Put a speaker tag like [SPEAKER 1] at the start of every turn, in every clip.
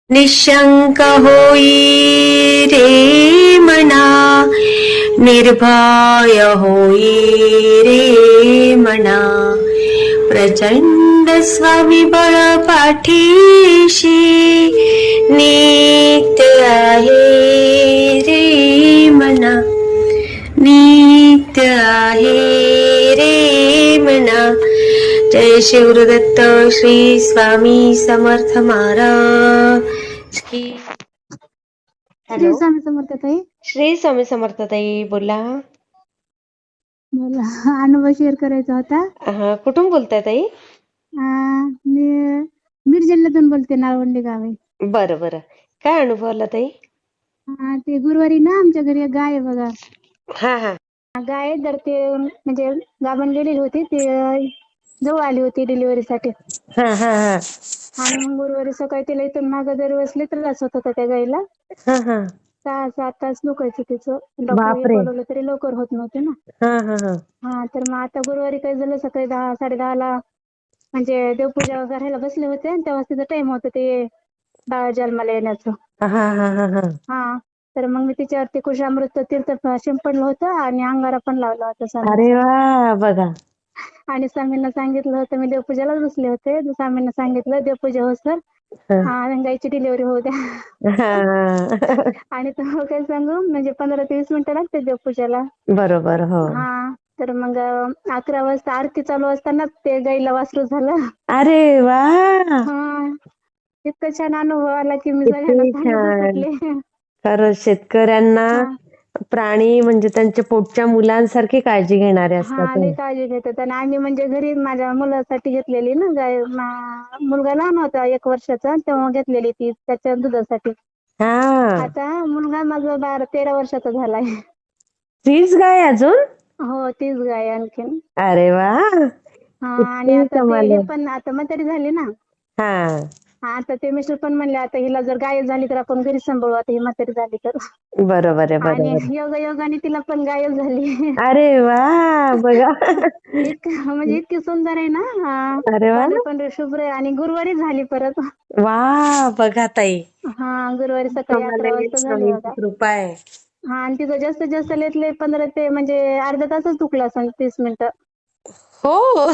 [SPEAKER 1] निशंक होई रे मना, निर्भय होई रे मना, प्रचंड स्वविबळ पाठीशी नित्य आहे रे मना, नित्य आहे रे मना. जय शिवदत्त श्री स्वामी समर्थ महाराज की.
[SPEAKER 2] श्री स्वामी समर्थ ताई.
[SPEAKER 1] श्री स्वामी समर्थ ताई, बोला.
[SPEAKER 2] मला अनुभव शेअर करायचा होता.
[SPEAKER 1] कुठून बोलताय ताई?
[SPEAKER 2] मी बीड जिल्ह्यातून बोलते, नाळवंडी गाव आहे.
[SPEAKER 1] बरं बरं, काय अनुभव आला ताई?
[SPEAKER 2] ते गुरुवारी ना आमच्या घरी एक गाय आहे बघा.
[SPEAKER 1] हा हा.
[SPEAKER 2] गाय तर ते म्हणजे गाभण गेलेली होती, ते जवळ आली होती डिलिव्हरीसाठी.
[SPEAKER 1] हा हा हा.
[SPEAKER 2] आणि मग गुरुवारी सकाळी तिला इथून मागं दरवेळेस लई त्रास होत होता त्या गायला.
[SPEAKER 1] हा हा.
[SPEAKER 2] 6-7 तास दुखायचं तिचं. डॉक्टर बोलवलं तरी लवकर होत नव्हते ना.
[SPEAKER 1] हा हा हा.
[SPEAKER 2] हा, तर मग आता गुरुवारी काय झालं, सकाळी 10-10:30ला म्हणजे देवपूजा करायला बसले होते आणि तेव्हा तिचं टाइम होतं ते बाळ जन्माला येण्याचं.
[SPEAKER 1] हा हा हा हा.
[SPEAKER 2] हा, तर मग मी तिच्यावरती कुशामृत तीर्थ शिंपडलं होतं आणि अंगारा पण लावला होता
[SPEAKER 1] अरे
[SPEAKER 2] स्वामींचा.
[SPEAKER 1] वा, बघा.
[SPEAKER 2] आणि स्वामींना सांगितलं होतं, मी देवपूजालाच बसले होते, स्वामींना सांगितलं देवपूजा हो सर, गायची डिलिव्हरी होऊ द्या. आणि तुम्हाला काय सांगू, म्हणजे 15 ते 20 मिनिटं लागते देवपूजाला.
[SPEAKER 1] बरोबर. हो.
[SPEAKER 2] हा, तर मग 11 वाजता आरती चालू असतानाच ते गाईला वासरू झालं.
[SPEAKER 1] अरे वा,
[SPEAKER 2] हा, इतका छान अनुभव आला की मी सगळ्यांना
[SPEAKER 1] किती
[SPEAKER 2] सांगतच
[SPEAKER 1] छान.
[SPEAKER 2] होते.
[SPEAKER 1] खरंच शेतकऱ्यांना प्राणी म्हणजे त्यांच्या पोटच्या मुलांसारखी काळजी घेणारे असतात.
[SPEAKER 2] लई काळजी घेतात. आणि आम्ही म्हणजे घरी माझ्या मुलासाठी घेतलेली ना गाय. मुलगा लहान होता 1 वर्षाचा, तेव्हा घेतलेली ती त्याच्या दुधासाठी.
[SPEAKER 1] हा,
[SPEAKER 2] आता मुलगा माझा 12-13 वर्षाचा झालाय.
[SPEAKER 1] तीच गाय अजून?
[SPEAKER 2] हो, तीच गाय आणखीन.
[SPEAKER 1] अरे वा,
[SPEAKER 2] आणि
[SPEAKER 1] किती
[SPEAKER 2] आता
[SPEAKER 1] कमाल
[SPEAKER 2] ते हे
[SPEAKER 1] आहे.
[SPEAKER 2] पण आता म्हातारी झाली ना.
[SPEAKER 1] हा,
[SPEAKER 2] आता ते मिस्टर पण म्हणले, आता हिला जर गाय झाली तर आपण घरी सांभाळू, आता ही म्हातारी झाली तर.
[SPEAKER 1] बरोबर आहे,
[SPEAKER 2] आणि
[SPEAKER 1] बरोबर.
[SPEAKER 2] योगायोगाने तिला पण गायच झाली.
[SPEAKER 1] अरे वा, बघा.
[SPEAKER 2] म्हणजे इतकी सुंदर आहे ना.
[SPEAKER 1] अरे वा,
[SPEAKER 2] पांढरे पांढरे शुभ्र आहे आणि गुरुवारी झाली परत.
[SPEAKER 1] वा, बघा ताई.
[SPEAKER 2] गुरुवारी सकाळी 11 वाजता झाली
[SPEAKER 1] स्वामींची
[SPEAKER 2] बघा.
[SPEAKER 1] कृपा आहे.
[SPEAKER 2] आणि तिचं जास्तीत जास्त लय 15 ते म्हणजे अर्धा तासच दुखलं असेल, 30 मिनिटं.
[SPEAKER 1] हो.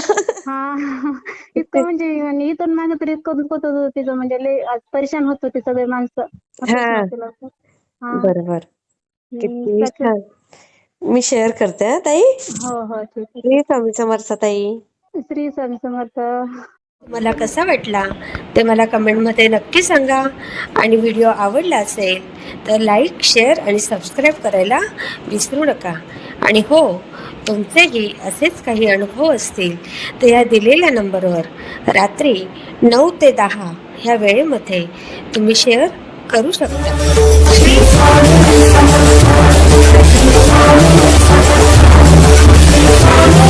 [SPEAKER 2] इतकं म्हणजे, आणि इथून मागे तर इतकं दुखत होतं तिचं, म्हणजे लय परेशान होत होते सगळे माणसं.
[SPEAKER 1] हा, बरोबर. किती छान. मी शेअर करते हा ताई.
[SPEAKER 2] हो, ठीक आहे.
[SPEAKER 1] श्री स्वामी समर्थ ताई.
[SPEAKER 2] श्री स्वामी समर्थ.
[SPEAKER 1] मला कसा वाटला ते मला कमेंटमध्ये नक्की सांगा. आणि व्हिडिओ आवडला असेल तर लाईक, शेअर आणि सबस्क्राईब करायला विसरू नका. आणि हो, तुमचेही असेच काही अनुभव असतील तर या दिलेल्या नंबरवर रात्री 9 ते 10 ह्या वेळेमध्ये तुम्ही शेअर करू शकता. श्री स्वामी समर्थ.